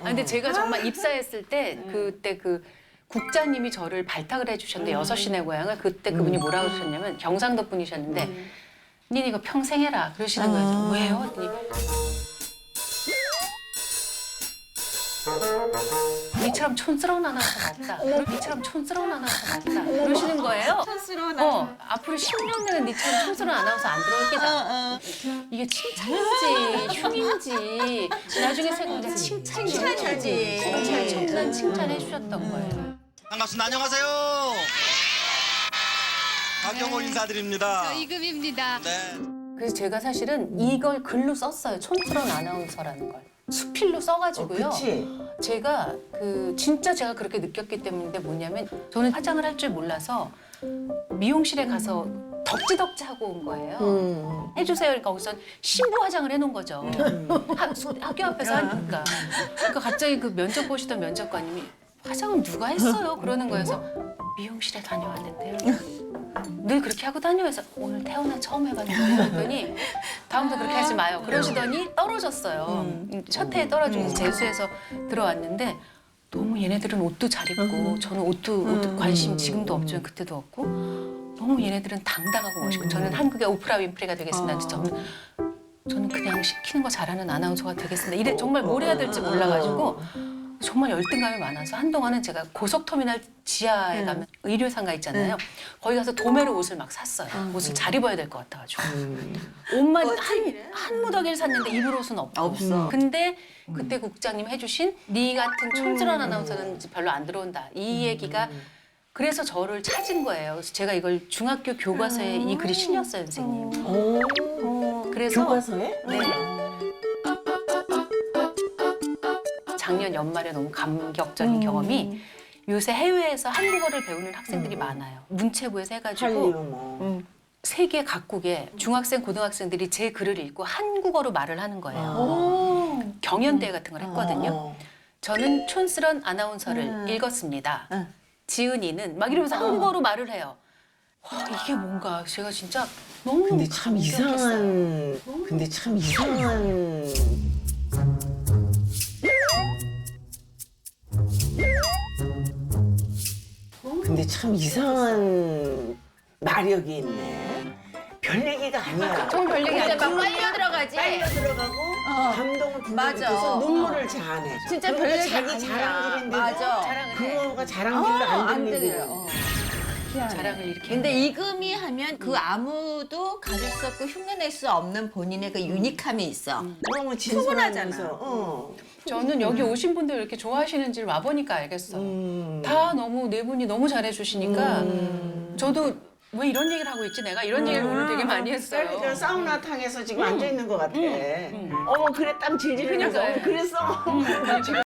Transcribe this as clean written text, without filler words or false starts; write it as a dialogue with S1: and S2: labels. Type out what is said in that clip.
S1: 근데 제가 정말 입사했을 때 그때 그 국장님이 저를 발탁을 해주셨는데 여섯 시내 고향을 그때 그분이 뭐라고 하셨냐면 경상도 분이셨는데 니네 이거 평생 해라 그러시는 거예요. 왜요? 니처럼 촌스러운 아나운서가 없다. 니처럼 촌스러운 아나운서가 없다. 그러시는 거예요.
S2: 촌스러운
S1: 앞으로 10년은 니처럼 촌스러운 아나운서 안 들어올 게다. 이게 칭찬인지 흉인지 나중에 생각해 칭찬이지. 칭찬 칭찬해 주셨던 거예요.
S3: 반갑습니다. 안녕하세요. 박경호 인사드립니다.
S4: 이금입니다.
S3: 네.
S1: 그래서 제가 사실은 이걸 글로 썼어요. 촌스러운 아나운서라는 걸. 수필로 써가지고요.
S2: 그치.
S1: 제가 진짜 제가 그렇게 느꼈기 때문인데 뭐냐면 저는 화장을 할 줄 몰라서 미용실에 가서 덕지덕지 하고 온 거예요. 해주세요. 그러니까 거기서 신부 화장을 해놓은 거죠. 학교 앞에서 하니까. 그러니까 갑자기 그 면접 보시던 면접관님이 화장은 누가 했어요? 그러는 거여서 미용실에 다녀왔는데요. 늘 그렇게 하고 다녀서 오늘 태어나 처음 해봤는데 그랬더니 다음부터 그렇게 하지 마요. 그러시더니 떨어졌어요. 첫 해에 떨어지고 재수해서 들어왔는데 너무 얘네들은 옷도 잘 입고 저는 옷도 관심 지금도 없지만 그때도 없고 너무 얘네들은 당당하고 멋있고 저는 한국의 오프라 윈프리가 되겠습니다. 저는 그냥 시키는 거 잘하는 아나운서가 되겠습니다. 이래 정말 뭘 해야 될지 몰라가지고 정말 열등감이 많아서 한동안은 제가 고속터미널 지하에 가면 의류상가 있잖아요. 거기 가서 도매로 옷을 막 샀어요. 옷을 잘 입어야 될 것 같아가지고. 옷만 한 무더기를 샀는데 입을 옷은 없고. 근데 그때 국장님 해주신 네 같은 촌스러운 아나운서는 별로 안 들어온다. 이 얘기가 그래서 저를 찾은 거예요. 그래서 제가 이걸 중학교 교과서에 이 글이 실렸어요, 선생님. 그래서
S2: 교과서에?
S1: 네. 작년 연말에 너무 감격적인 경험이 요새 해외에서 한국어를 배우는 학생들이 많아요. 문체부에서 해가지고 세계 각국의 중학생, 고등학생들이 제 글을 읽고 한국어로 말을 하는 거예요. 경연대회 같은 걸 했거든요. 저는 촌스런 아나운서를 읽었습니다. 지은이는 막 이러면서 한국어로 말을 해요. 와, 이게 뭔가 제가 진짜 너무
S2: 근데 참 이상한. 근데 참 이상한. 근데 참 이상한 마력이 있네. 별 얘기가 아니야.
S1: 정말 별 얘기
S4: 근데
S1: 아니에요.
S4: 막 빨려 들어가지.
S2: 빨려 들어가고 감동을
S4: 맞아.
S2: 불러서 눈물을 자아내.
S4: 진짜
S2: 그러니까
S4: 별 얘기
S2: 자기
S4: 아니야.
S2: 자랑질인데도
S4: 맞아.
S1: 자랑을 해.
S2: 그거가 자랑질로 안
S4: 안
S2: 들리고.
S4: 들려요.
S1: 자랑을 이렇게
S4: 근데 이금이 하면 그 아무도 가질 수 없고 흉내낼 수 없는 본인의 그 유니함이 있어.
S2: 너무
S4: 충분하잖아.
S2: 진솔하면서.
S1: 저는 여기 오신 분들 이렇게 좋아하시는지를 와보니까 알겠어요. 다 너무 네 분이 너무 잘해주시니까 저도 왜 이런 얘기를 하고 있지? 내가 이런 얘기를 오늘 되게 많이 했어요.
S2: 그러니까 사우나탕에서 지금 앉아 있는 것 같아. 어머 그래 땀 질질 흘려서.
S1: 그러니까요.
S2: 그랬어.